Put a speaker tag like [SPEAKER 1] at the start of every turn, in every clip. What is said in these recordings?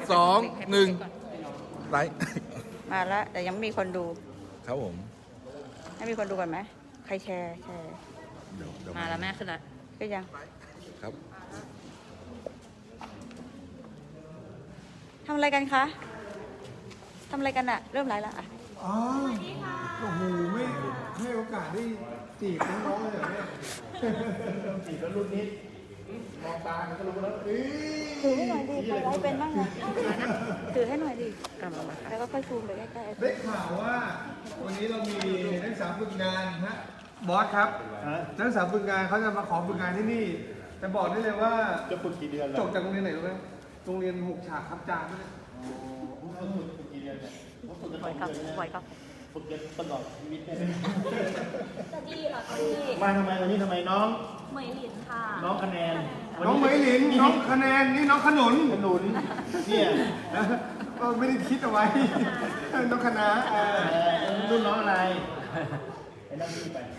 [SPEAKER 1] 2 1ไลค์
[SPEAKER 2] มาแล้วแต่ยังไม่มีคนดู
[SPEAKER 1] ครับผม
[SPEAKER 2] ให้มีคนดูกันไหมใครแชร์
[SPEAKER 1] เดี๋ยว
[SPEAKER 3] มาแล้วแม่ขึ้นแล้ว
[SPEAKER 2] ก็ยัง
[SPEAKER 1] ครับ
[SPEAKER 2] ทำอะไรกันคะทำอะไรกันอะเริ่มไลฟ์แล้วอะ
[SPEAKER 4] อ๋อโอ้โหไม่ให้โอกาสได้จีบน้องๆเลยเหรอเนี่ยจีบแล้วรุ่นนี้มองตาก็รู้แล้วเอ้
[SPEAKER 2] ถือให้หน่อยดิใครไลฟ์เป็นบ้างนะถือให้หน่อยดิแล้วก็ค่อยซูมไปใกล้
[SPEAKER 4] ได้ข่าวว่าวันนี้เรามีนักศึกษาฝึกงานฮะบอสครับนักศึกษาฝึกงานเขาจะมาขอฝึกงานที่นี่ แต่บอกได้เลยว่า
[SPEAKER 5] จะฝึกกี่เดือน
[SPEAKER 4] จบจากโรงเรียนไหนรู้ไหมโรงเรียน6 ฉากครับจานด้วย
[SPEAKER 5] ฝึกกี่เดือนเนี่ยเขาฝึกกัน
[SPEAKER 2] ๆไหวครับ
[SPEAKER 5] 2 เดือน
[SPEAKER 2] ไหวครับ
[SPEAKER 5] ฝึกกันตลอดชีวิตเนี่ย
[SPEAKER 6] จะดีเหรอคะพี่
[SPEAKER 5] มาทำไมวันนี้ทำไมน้อง
[SPEAKER 6] เหมยหลินค่ะ
[SPEAKER 5] น้องคะแนน
[SPEAKER 4] น้องเหมยหลินน้องคะแนนนี่น้องขนุน
[SPEAKER 5] ขนุนเนี่ย
[SPEAKER 4] ก็ไม่ได้คิดเอาไว้ น้องคณะ
[SPEAKER 5] รุ่นน้องอะไรไอ้นั่นพี่ไป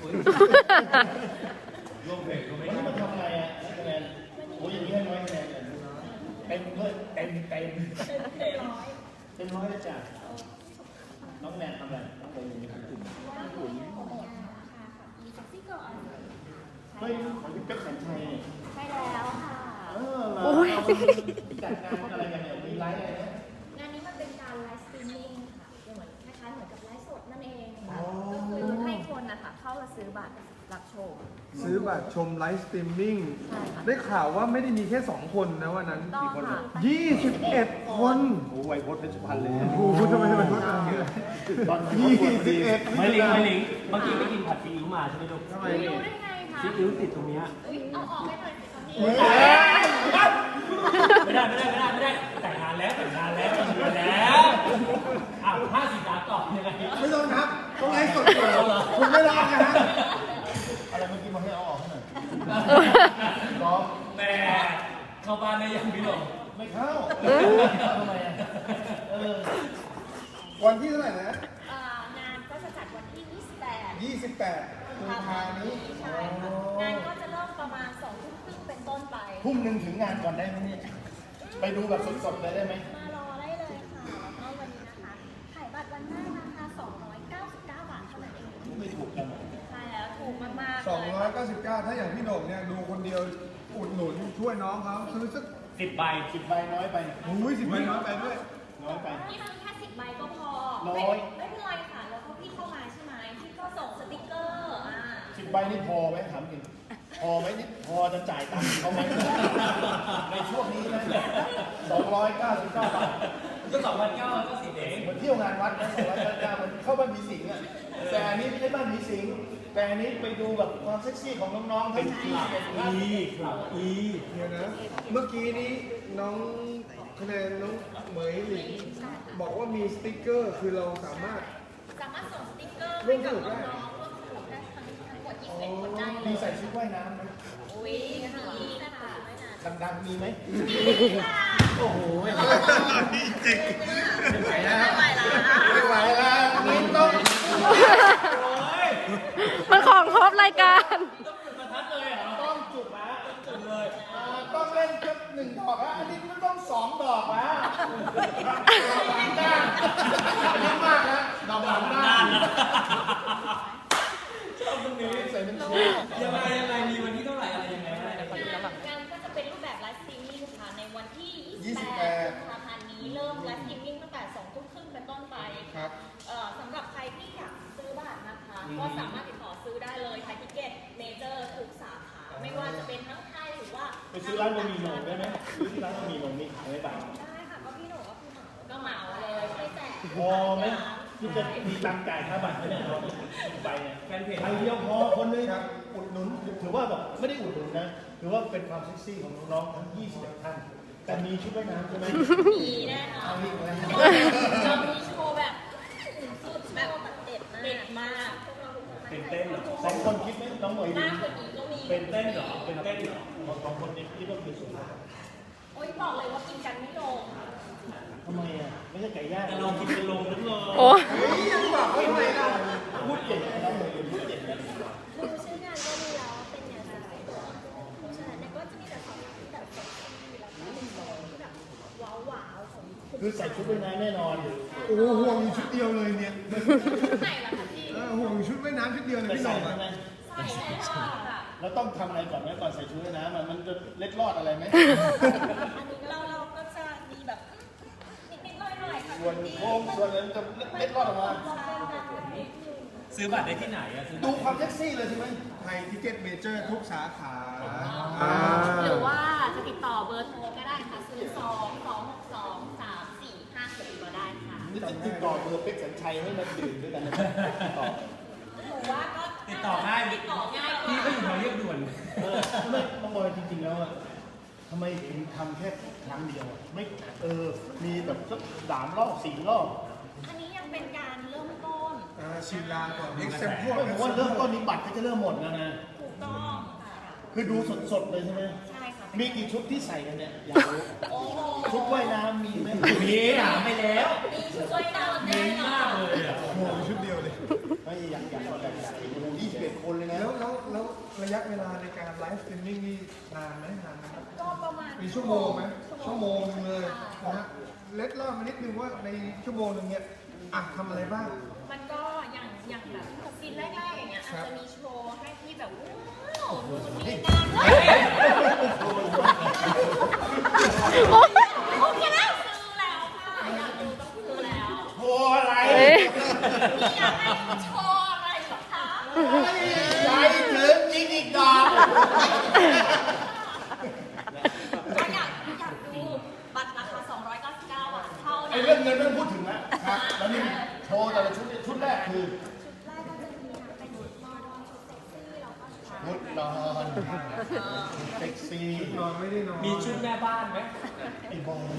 [SPEAKER 5] รวมเพลงวันนี้มาทำอะไรอ่ะน้องคะแนนโอ้ยอย่างนี้ให้น้อยคะแนนเลยเต็มเลยเต็มร้อยเลยจ้ะน้องแนนทำอะไรน้องไปอยู่ในกลุ่มเฮ้ยของพี่เป๊กสัญชัยเนี่ย
[SPEAKER 6] ใช่แล้วค่ะ
[SPEAKER 5] เหรอจัดงานอะไรกันเนี่ยมีไลฟ์อะไรนะ
[SPEAKER 6] งานนี้มันเป็นการไลฟ์สตรีมมิ่งค่ะเหมือนคล้ายๆเหมือนกับไลฟ์สดนั่นเองค่ะก็คือให้คนนะคะเข้ามาซื้อบัตรรับชม
[SPEAKER 4] ซื้อบัตรชมไลฟ์สตรีมมิ่ง
[SPEAKER 6] ใช่ค่ะ
[SPEAKER 4] ได้ข่าวว่าไม่ได้มีแค่ 2 คนนะวันนั้น
[SPEAKER 6] ต้องค่ะ
[SPEAKER 4] 21 คน
[SPEAKER 5] โอ้ไวโพสเพชรพันธ์เลย
[SPEAKER 4] โอ้โหทำไมมันคนอะไรเนี่ย
[SPEAKER 5] ตอน
[SPEAKER 4] 21
[SPEAKER 7] ไม่ลิงเมื่อกี้ไปกินผัดซีอิ๊วมาใช่ไหมลูก
[SPEAKER 4] ทำไม
[SPEAKER 6] รู้ได้ไงคะ
[SPEAKER 7] ซีอิ๊วติดตรงเนี้ย
[SPEAKER 6] เอาออกให้หน่อยสิคะพี่
[SPEAKER 7] ไม่ได้แต่งงานแล้วมีเงินแล้วอ้าว50 ล้านต่อยังไง
[SPEAKER 4] ไม่ต้องครับต้องไลฟ์สดอยู่คุณไม่รอดนะฮะ
[SPEAKER 5] อะไรเมื่อกี้มาให้เอาออกให้หน่อยร้อง
[SPEAKER 7] แต่เข้าบ้านได้ยังพี่หลง
[SPEAKER 5] ไม่เข้าทำไมอ่ะ
[SPEAKER 4] วันที่เท่าไหร่นะ
[SPEAKER 6] งานก็จะจัดวันที่ 28
[SPEAKER 4] 28 กุมภาพันธ์นี้
[SPEAKER 6] ใช่ค่ะงานก็จะเริ่มประมาณ2 ทุ่มครึ่งเป็นต้นไป
[SPEAKER 5] ทุ่มหนึ่งถึงงานก่อนได้ไหมเนี่ยไปดูแบบสดๆเลยได้ไหม
[SPEAKER 6] มารอได้เลยค่ะ แล้วก็วันนี้นะคะขายบัตรวันแรกนะคะ299 บาทเท่านั้นเอง
[SPEAKER 5] ไม่ถูกกัน
[SPEAKER 6] ใช่แล้วถูกมากๆเลย
[SPEAKER 4] 299 ถ้าอย่างพี่โหน่งเนี่ยดูคนเดียวอุดหนุนช่วยน้องเขาซื้อสัก
[SPEAKER 7] 10 ใบ
[SPEAKER 5] 10 ใบน้อยไป
[SPEAKER 4] อุ้ย10 ใบน้อยไปด้วย
[SPEAKER 5] น้อยไป
[SPEAKER 6] นี่มันแค่10 ใบก็พอ
[SPEAKER 5] ร้อย
[SPEAKER 6] ไม่เป็นไรค่ะ แล้วพอพี่เข้ามาใช่ไหมพี่ก็ส่งสติกเกอร์
[SPEAKER 5] 10 ใบนี่พอไหมถามจริงพอไหมนี่พอจะจ่ายตังค์เขาไหมในช่วงนี้นะ299 บาท
[SPEAKER 7] ก็2,900ก็10เอง
[SPEAKER 5] เหมือนเที่ยวงานวัดนะ299มันเข้าบ้านผีสิงอ่ะแต่อันนี้ไม่ใช่บ้านผีสิงแต่อันนี้ไปดูแบบความเซ็กซี่ของน้องๆทั้ง21ท่าน
[SPEAKER 4] เดี๋ยวนะ เมื่อกี้นี้น้องคะแนนน้องเหมยหลิงบอกว่ามีสติ๊กเกอร์คือเราสามารถ
[SPEAKER 6] ส่งสติกเกอร์ให้กับน้องๆร่วมสนุกได้ทั้งหมด21คนได้เล
[SPEAKER 5] มี
[SPEAKER 6] ย
[SPEAKER 5] ใส่ชุดว่ายน้ำไหม
[SPEAKER 6] อุ้ยมีนะคะ
[SPEAKER 5] ดังๆมีไหม
[SPEAKER 6] โอ้โห
[SPEAKER 4] ไม่ไหวแล้วไม่ไหวแล้วนี่ต้อง
[SPEAKER 2] มันของครบรายการ
[SPEAKER 5] ต้องจุดละจุดเลยต้องเล่นสัก1 ดอกละอันนี้มันต้อง2 ดอกละดอกหลังด้านอันนี้มากนะดอกหลังด้านชอบตรงนี้ใส่เป็นชุด
[SPEAKER 7] ยังไงมีวันที่เท่าไหร่อะไรยังไง
[SPEAKER 6] งานก็จะเป็นรูปแบบไลฟ์สตรีมมิ่งค่ะในวันที่28 กุมภาพันธ์นี้เริ่มไลฟ์สตรีมมิ่งตั้งแต่2 ทุ่มครึ่งเป็นต้นไป
[SPEAKER 4] ครับ
[SPEAKER 6] สำหรับใครที่อยากซื้อบัตรนะคะ ก็สามารถติดต่อซื้อได้เลยไทยทิเก็ตเมเจอร์ทุกสาขาไม่ว่าจะเป็นทั้งไทยหรือว่า
[SPEAKER 5] ไปซื้อร้านบะหมี่โหน่งได้ไหมซื้อที่ร้านบะหมี่โหน่งนี่ไม่ต่าง
[SPEAKER 6] ได้ค่ะก็พี่หนูก็เหมาเลยช่วยแจก
[SPEAKER 5] พอไหมที่จะมีตังค์จ่ายค่าบัตรไหมเนี่ยเราไปเนี่ย
[SPEAKER 7] แฟนเพจ
[SPEAKER 5] ไปเดียวพอคนนึงอุดหนุนถือว่าแบบไม่ได้อุดหนุนนะถือว่าเป็นความเซ็กซี่ของน้องๆทั้ง21 ท่านแต่มีชุดว่ายน้ำใช่ไหม
[SPEAKER 6] มีแน่นอน
[SPEAKER 5] เอาอีกแล้ว
[SPEAKER 6] เรามีโชว์แบบสุดแบบเด็ดมาก
[SPEAKER 7] เป็นเต้นเหรอ
[SPEAKER 5] 2 คนคิดไหมน้องเหมยดี
[SPEAKER 6] มากกว่านี้ก็มี
[SPEAKER 7] เป็นเต้นเหรอเป็นเต้นเหรอ
[SPEAKER 5] 2 คนนี้คิดว่าคือสุด
[SPEAKER 6] โอ๊ยบอกเลยว่ากินกันไม่ลง
[SPEAKER 5] ทำไมอ่ะไม่ใช่ไก่ย่าง
[SPEAKER 7] แต่ลองกินเป็นลงนึกเลย
[SPEAKER 2] โอ้
[SPEAKER 5] พูดเก่งนะน้องเหมยพูดเก่งนะ
[SPEAKER 6] ดูชื่องานก็รู้แล้วว่าเป็นยังไงเพราะฉะนั้นก็จะมีแต่สองที่แบบเซ็กซี่แล้วก็เป็นโซนที่แบบว้าวๆของ
[SPEAKER 5] คือใส่ชุดว่ายน้ำแน่นอน
[SPEAKER 4] โอ้โหห่วงอยู่ชุดเดียวเลยเนี่ย
[SPEAKER 6] ไหนล่ะคะพี่
[SPEAKER 4] ห่วงอยู่ชุดว่ายน้ำชุดเดียวเลย
[SPEAKER 5] ไม่
[SPEAKER 4] พี่ห
[SPEAKER 5] ใส่
[SPEAKER 4] น่อง
[SPEAKER 5] ใช่ไหม
[SPEAKER 6] ใส่แล้วค่ะ
[SPEAKER 5] แล้วต้องทำอะไรก่อนไหมก่อนใส่ชุดว่ายน้ำมันจะเล็ดรอดอะไรไหม
[SPEAKER 6] อันนี้เราก็จะมีแบบนิดๆหน่อยๆค่ะ
[SPEAKER 5] ส่วนโค้งส่วนนั้นจะเล็ดรอดออกมา
[SPEAKER 7] ซื้อบัตรได้ที่ไหนอะซื้อ
[SPEAKER 5] ดูความเซ็กซี่เลยใช่ไหม
[SPEAKER 4] ไทยทิเก็ตเมเจอร์ทุกสาขา
[SPEAKER 6] หรือว่าจะติดต่อเบอร์โทรก็ได้ค่ะ02-262-3456ก็ได้ค่ะ
[SPEAKER 5] นี่ติดต่อเบอร์เป็กสัญชัยให้มาดื่มด้วยกันนะครับติดต่อ
[SPEAKER 6] หนูว่าก็
[SPEAKER 7] ติดต่อง่าย
[SPEAKER 6] ติดต่อง่ายก
[SPEAKER 7] พี่
[SPEAKER 6] ว่า
[SPEAKER 7] ก็อยู่แถวเรียบด่วน
[SPEAKER 5] ไม่น้องบอยจริงๆแล้วอะทำไมถึงทำแค่ครั้งเดียวอะไม่มีแบบสัก3 รอบ 4 รอบ
[SPEAKER 6] อันนี้ยังเป็นการเริ่มต้น
[SPEAKER 4] ชิมลางก่อนเอ็กเซมพวก
[SPEAKER 5] ไม่ผมว่าเริ่มต้นนี้บัตรก็จะเริ่มหมดแล้วนะ
[SPEAKER 6] ถูกต้องค่ะ
[SPEAKER 5] คือดูสดๆเลยใช่ไหม
[SPEAKER 6] ใช่ค่ะ
[SPEAKER 5] มีกี่ชุดที่ใส่กันเนี่ยอยากรู้
[SPEAKER 6] โอ้โห
[SPEAKER 5] ชุดว่ายน้ำมีไหม
[SPEAKER 7] มีถามไปแล้ว
[SPEAKER 6] มีช่วยดาวน์แน่นอ
[SPEAKER 7] มาก
[SPEAKER 6] น
[SPEAKER 7] เลยอะ
[SPEAKER 4] ห่วงอยู่ชุดเดียวเลย
[SPEAKER 5] ไม่อยาก21 คนเลยนะ
[SPEAKER 4] แล้วระยะเวลาในการไลฟ์สตรีมมิ่งนี่นานไหมครับ
[SPEAKER 6] ก็ประมาณ
[SPEAKER 4] มีชั่วโมงไหมชั่วโมงนึงเลยนะฮะเล็ดรอบมานิดนึงว่าในชั่วโมงนึงเนี่ยทำอะไรบ้าง
[SPEAKER 6] มันก็อย่างแบบซีนแรกๆอย่างเงี้ยอาจจะมีโชว์ให้ที่แบบว้าวนู่นนี่นั่นโอเคแล้วซื้อแล้วค่ะอยากดูต้องซื้อแล้ว
[SPEAKER 5] โอ้อะไร
[SPEAKER 6] พี่อยากให้โชว์อะไรเหรอคะ
[SPEAKER 5] ใจถึงจริงอีกดอก
[SPEAKER 6] ก็อยากดูบัตรราคา299 บาทเท่า
[SPEAKER 5] ไอ้
[SPEAKER 6] นั้น
[SPEAKER 5] เรื่องเงินไม่ต้องพูดถึงแล้วครับแล้วนี่โชว์แต่ละชุดเนี่ยชุดแรกคือ
[SPEAKER 6] แรกก็จะมีเป็นชุดนอนชุดเซ็กซี่แล้วก็ชุด
[SPEAKER 5] ชุดนอนเซ็กซี่
[SPEAKER 4] นอนไม่ได้นอน
[SPEAKER 7] มีชุดแม่บ้านไหม
[SPEAKER 5] ไอ้บอล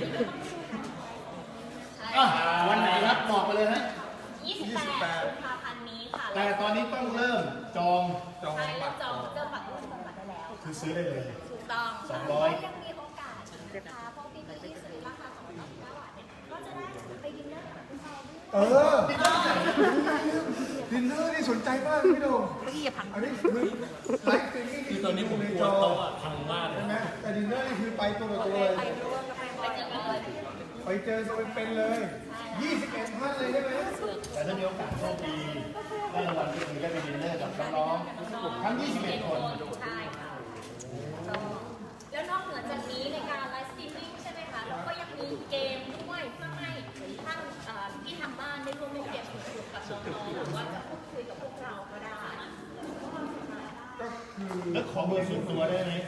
[SPEAKER 5] อ่ะวันไหนครับบอกไปเลยฮะ
[SPEAKER 6] 28 กุมภาพันธ์นี้ค่ะ
[SPEAKER 5] แต่ตอนนี้ต้องเริ่มจอง
[SPEAKER 4] จอง
[SPEAKER 6] ใช่
[SPEAKER 4] บั
[SPEAKER 6] เริ่
[SPEAKER 4] ต
[SPEAKER 6] ม
[SPEAKER 4] ร
[SPEAKER 6] จองเริ่มบัตรได้แล้ว
[SPEAKER 5] คือซื้อได้เลย
[SPEAKER 6] ถูกต้อง
[SPEAKER 5] 200
[SPEAKER 6] ยังมีโอกาสนะคะเพราะพี่ที่ซื้อราคา299 บาทเนี่ยก็จะได้ไปดินเนอร์กับคุณพ่อด้วย
[SPEAKER 4] ดินเนอร์นี่สนใจมากพี่โดมอันนี้คือไลฟ์สตรีมมิ่ง
[SPEAKER 7] คือตอนนี้ผม
[SPEAKER 4] ใน
[SPEAKER 7] กลั
[SPEAKER 4] จ
[SPEAKER 7] ว
[SPEAKER 4] อ
[SPEAKER 7] โต๊ะอะพังมากเล
[SPEAKER 4] ใช่
[SPEAKER 7] ย
[SPEAKER 4] ไหมแต่ดินเนอร์นี่คือไปตัวต่อตัวเลย
[SPEAKER 6] ไปเจอกันเลย
[SPEAKER 4] ไปเจอตัวเป็นๆเลย 21 ท่านเลยใช่ไหม
[SPEAKER 5] แต่ถ้ามีโอกาสโชคดีได้รางวัลก็คือได้ไปดินเนอร์กับน้องๆทั้ง 21 คน
[SPEAKER 6] ใช่ค่ะแล้วนอกเหนือจากนี้ในการไลฟ์สตรีมมิ่งใช่ไหมคะเราก็ยังมีเกมด้วยเพื่อให้ท่านที่ทางบ้านได้ร่วมเล่นเกมสนุกๆกับน้องๆหรือว่าจะพูดคุยกับพวกเราก็ได้
[SPEAKER 4] ก็คือ
[SPEAKER 5] แล้วขอเบอร์ส่วนตัวได้ไหม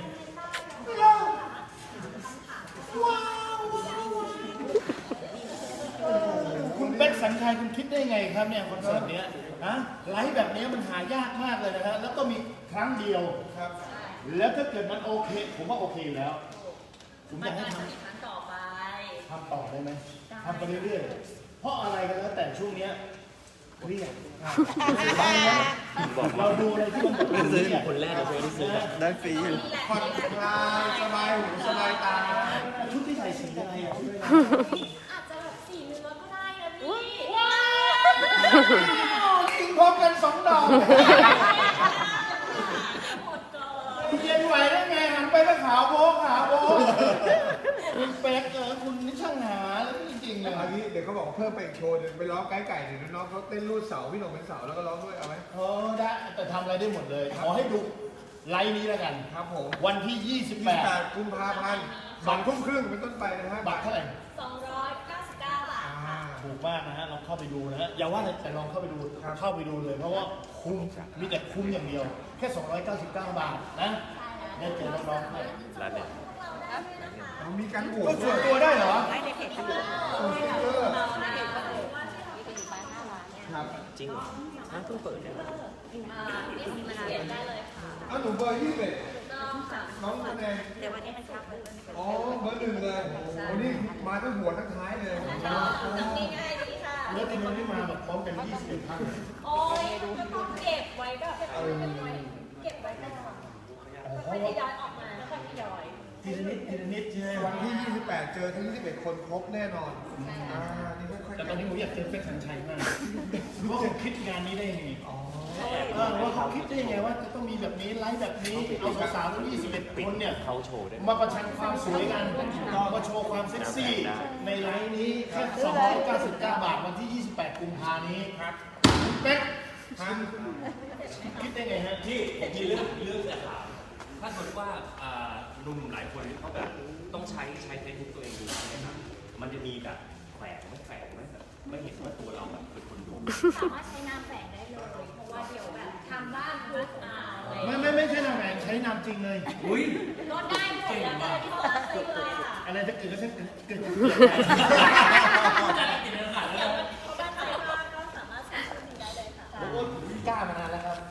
[SPEAKER 5] คุณเป็กสัญชัยคุณคิดได้ไงครับเนี่ยคอนเสิร์ตเนี้ยฮะไลฟ์แบบนี้มันหายากมากเลยนะฮะแล้วก็มีครั้งเดียว
[SPEAKER 4] ครับ
[SPEAKER 5] แล้วถ้าเกิดมันโอเค ผมว่าโอเคอยู่แล้ว ผมอ
[SPEAKER 6] มัน
[SPEAKER 5] ยากให้
[SPEAKER 6] อาจ
[SPEAKER 5] ท
[SPEAKER 6] จะมีครั้งต่อไป
[SPEAKER 5] ำต่อได้ไหมทำไปเรื่อยๆ เพราะอะไรกันแล้วแต่ช่วงเนี้ยเครียดเราดูอะไรที่มันแบบซื้อคนแรกเราเคยได้ซื้อ
[SPEAKER 1] ได้ฟรีอยู่
[SPEAKER 4] ผ่อนคลายสบายหูสบายตา
[SPEAKER 5] ชุดที่ใส่สีอะไรอ่ะ
[SPEAKER 6] อาจจะแบบสีเนื้อก็ได้นะพี่
[SPEAKER 5] กินพร้อมกัน2 ดอก
[SPEAKER 6] หมดก่อน
[SPEAKER 5] เย็นไหวได้ไงหันไปก็ขาวโบ๊ะขาวโบ๊ะคุณเป๊กคุณนี่ช่างหาแล้วจริงๆเลย
[SPEAKER 4] อันนี้เดี๋ยวเขาบอกเพิ่มไปอีกโชว์หนึงไปร้องไก่ไก่เดี๋ยวน้องเขาเต้นรูดเสาพี่หนุ่มเป็นเสาแล้วก็ร้องด้วยเอาไหม
[SPEAKER 5] ได้แต่ทำอะไรได้หมดเลย ขอให้ดูไลน์นี้แล้วกัน
[SPEAKER 4] ครับผม
[SPEAKER 5] วันที่
[SPEAKER 4] 28 กุมภาพันธ์2 ทุ่มครึ่งเป็นต้นไปนะฮะ
[SPEAKER 5] 28 บัตรเท่าไหร่
[SPEAKER 6] 299 บาทค่ะ
[SPEAKER 5] ถูกมากนะฮะลองเข้าไปดูนะฮะอย่าว่าแต่ลองเข้าไปดูเข้าไปดูเลย เพราะว่าคุ้มมีแต่คุ้มอย่างเดียว แค่ 299 บาทนะได้เจอน้องๆด้วย
[SPEAKER 4] มีการโหว
[SPEAKER 5] ก็
[SPEAKER 4] ต
[SPEAKER 5] ส่
[SPEAKER 4] ด้
[SPEAKER 5] ว
[SPEAKER 4] วน ย
[SPEAKER 5] ตัวได้เหรอ
[SPEAKER 4] ส่งสติ๊กเกอร์ครับ
[SPEAKER 6] นี่สิเขียนได้เลยค่ะ
[SPEAKER 4] เอาหนูเบอร์21
[SPEAKER 6] ต้องค่ะ
[SPEAKER 4] น้องคะแนน
[SPEAKER 6] เดี๋ยววันนี้มันชักเลย
[SPEAKER 4] อ๋อเบอร์ 1เลยโอ้นี่มาทั้งหัวทั้งท้ายเลย
[SPEAKER 6] ชอบง่ายๆดีค่ะ
[SPEAKER 5] แล้วทำไมไม่มาแบบพร้อมกัน21 ท่าน
[SPEAKER 6] โอ้ยก็ต้องเก็บไว้แบบเก็บไว้ก่อนแล้วค่อยทยอยออกมาแล้วค่อยทยอย
[SPEAKER 5] ทีละนิดทีละนิดใช่ไหม
[SPEAKER 4] วันที่ 28 เจอทั้ง21 คนครบแน่นอนนี่ค่อยๆ
[SPEAKER 5] แต่ตอนนี้ผมอยากเจอเป็กสัญชัยมากว่าเขาคิดงานนี้ได้ยังไง
[SPEAKER 4] อ๋อ
[SPEAKER 5] ว่าเขาคิดได้ยังไงว่าจะต้องมีแบบนี้ไลฟ์แบบนี้เอาสาวๆทั้ง21 คนเนี่ยเขาโชว์มาประชันความสวยกันมาโชว์ความเซ็กซี่ในไลฟ์นี้แค่299 บาทวันที่ 28 กุมภานี้ครับเป็กคิดได้ไงฮะ
[SPEAKER 3] ที่ผมมีเรื่องจะถามถ้าสมมติว่าหนุ่มหลายคนเขาแบบต้องใช้เฟซบุ๊กตัวเองดูใช่ไหมครับมันจะมีแบบแฝงไหมแบบไม่เห็นว่าตัวเราแบบเป็นคนดู
[SPEAKER 6] สามารถใช้นามแฝงได้เลย เพราะว่าเดี๋ยวแบบทำบ้านทุกอะไร
[SPEAKER 5] ไม่ใช่นามแฝงใช้นามจริงเลย
[SPEAKER 3] อุ้ย
[SPEAKER 6] ลดได้หมดแล้วแต่ที่เราซื้อเลยค่ะ
[SPEAKER 5] อะไรถ้าเกิดก็เช่นเกิด
[SPEAKER 6] เดี๋ยวเขาบ้านใครบ้างก็สามารถใช้ชื่อนี้ได้เลยค่ะ
[SPEAKER 5] ผมก็กล้ามานานแล้วครับ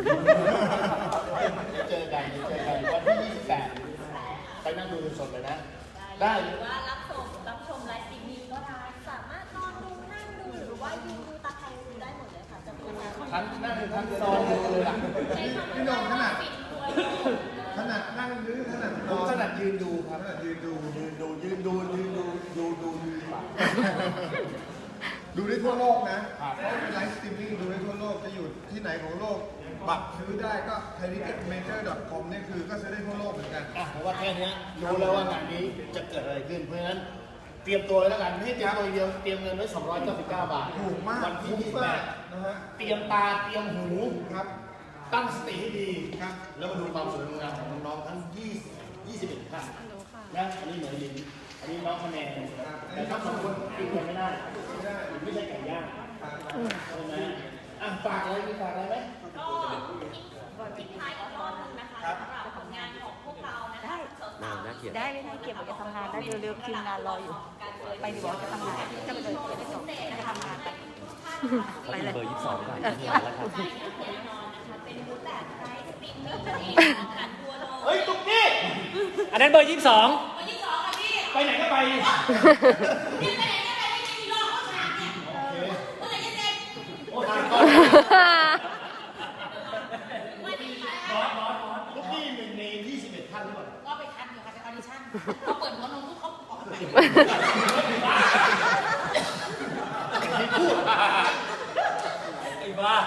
[SPEAKER 5] เจอกันวันที่ 28 ไปนั่งดูสดเลยนะ ได้
[SPEAKER 6] หรือว่ารับชมไลฟ์สตรีมมิ่งก็ได้ สามารถนอนดูนั่งดูหรือว่ายืนดูตาใครดูได้หมดเลยค่ะจำนวนนั้น
[SPEAKER 5] ทั้งนั่งทั้งนอนดูเลยล่ะ
[SPEAKER 4] พี่โหน่งขนาดนั่งหรือขนาดน
[SPEAKER 5] ผม
[SPEAKER 4] อน
[SPEAKER 5] ถนัดยืนดูครับ
[SPEAKER 4] ขนาดยืนดู
[SPEAKER 5] ดูดีกว่า
[SPEAKER 4] ดูได้ทั่วโลกนะเพราะเป็นไลฟ์สตรีมมิ่งดูได้ทั่วโลกจะอยู่ที่ไหนของโลกบัตรซื้อได้ก็ thaitickettmaker.com นี่คือก็ซื้อได้ทั่วโลกเหมือนกัน
[SPEAKER 5] เพราะว่าแค่นี้รู้แล้วว่างานนี้จะเกิดอะไรขึ้น เพราะฉะนั้นเตรียมตัวไว้แล้วกันไม่ให้เตรียมตัวเดียวเตรียมเงินไว้299 บาท
[SPEAKER 4] ถูกมาก
[SPEAKER 5] วันที่
[SPEAKER 4] คุ้มมากนะฮะ
[SPEAKER 5] 28เตรียมตาเตรียมหู
[SPEAKER 4] ครับ
[SPEAKER 5] ตั้งสติให้ดี
[SPEAKER 4] ครับ
[SPEAKER 5] แล้วมาดูความสวยงามของน้องๆทั้ง21ท่านนะอันนี้เหมือนลินอันนี้น้องคะแนนแต่ทั้งสองคนกินกันไม่ได้ไม่ใช่ไก่ย่างใช่ไหมฝากอะไรมีฝากอะไรไหม
[SPEAKER 6] ก็ทิ้งท้ายอีกรอบนึงนะคะสำหรับผลงานของพวกเรานะคะสาวๆ
[SPEAKER 2] ได้ไม่ได้เก็บไว้จะทำงานได้เร็วๆทีมงานรออยู่ ไปดีกว่าจะทำงานจะไปเลยเก็บไปส่งจะทำงานไปเลย
[SPEAKER 3] เบอร์22ก่อนที่งานแล้วครับ
[SPEAKER 6] ได้แน่นอนนะคะเป็นรูปแบบไลฟ์สตรีมมิ่งนั่นเองผ่านตัวโด
[SPEAKER 5] เฮ้ยตุ๊กกี้
[SPEAKER 7] อันนั้นเบอร์ 22
[SPEAKER 6] วันที่สองค่ะพี่
[SPEAKER 5] ไปไหนก็ไป
[SPEAKER 6] เนี่ยไปไหนก็ไปไม่มีรอบข้างทางเนี่ยเมื่อไหร่จะเสร็จ
[SPEAKER 5] โอ้ตายก่อนตุ๊กกี้หนึ่งใน21ท่านหรือเปล่า
[SPEAKER 6] ก็ไปคัดอยู่ค่ะไปออดิชั่นเขาเปิดหัวนมทุกเขาออกไป
[SPEAKER 3] ไอ้บ้า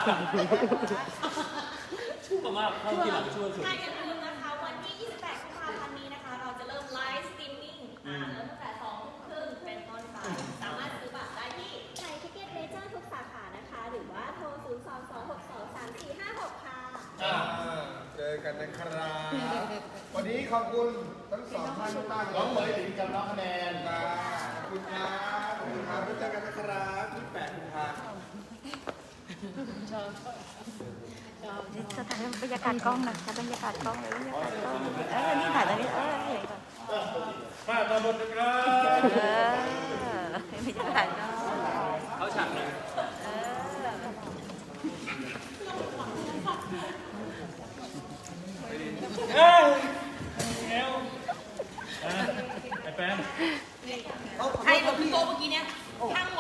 [SPEAKER 3] ชั่วมากเข้าที่หลังชั่วสุด
[SPEAKER 6] ใช่อย่าลืมนะคะวันที่ 28 กุมภาพันธ์นี้นะคะ เราจะเริ่มไลฟ์สตรีมมิ่งเริ่มตั้งแต่ 2:30 เป็นต้นไปสามารถซื้อบัตรได้ที่
[SPEAKER 8] ไทยทิเก็ตเมเจอร์ทุกสาขานะคะ หรือว่าโทร 022623456 ค่ะ
[SPEAKER 4] เจอกันนะครับวันนี้ขอบคุณทั้งสองท่านมากๆเล
[SPEAKER 5] น้องเหม
[SPEAKER 4] ย
[SPEAKER 5] ยหลินกับน้องคะแนน
[SPEAKER 4] ขอบคุณครับขอบคุณครับแล้วเจอกันนะครับที่8กุมภาพันธ์
[SPEAKER 2] จะถ่ายบรรยากาศกล้องนะบรรยากาศกล้องเลยบรรยากาศกล้องนี่ถ่ายตรงนี้เห็นก่อน
[SPEAKER 5] มาตาบนนะครับ
[SPEAKER 2] บรรยากาศกล้อง
[SPEAKER 3] เขาฉากเลย
[SPEAKER 7] เอ้ยเอวไอ้แป้ง
[SPEAKER 6] ใครบอกพี่โก้เมื่อกี้เนี่ยทั้งหมด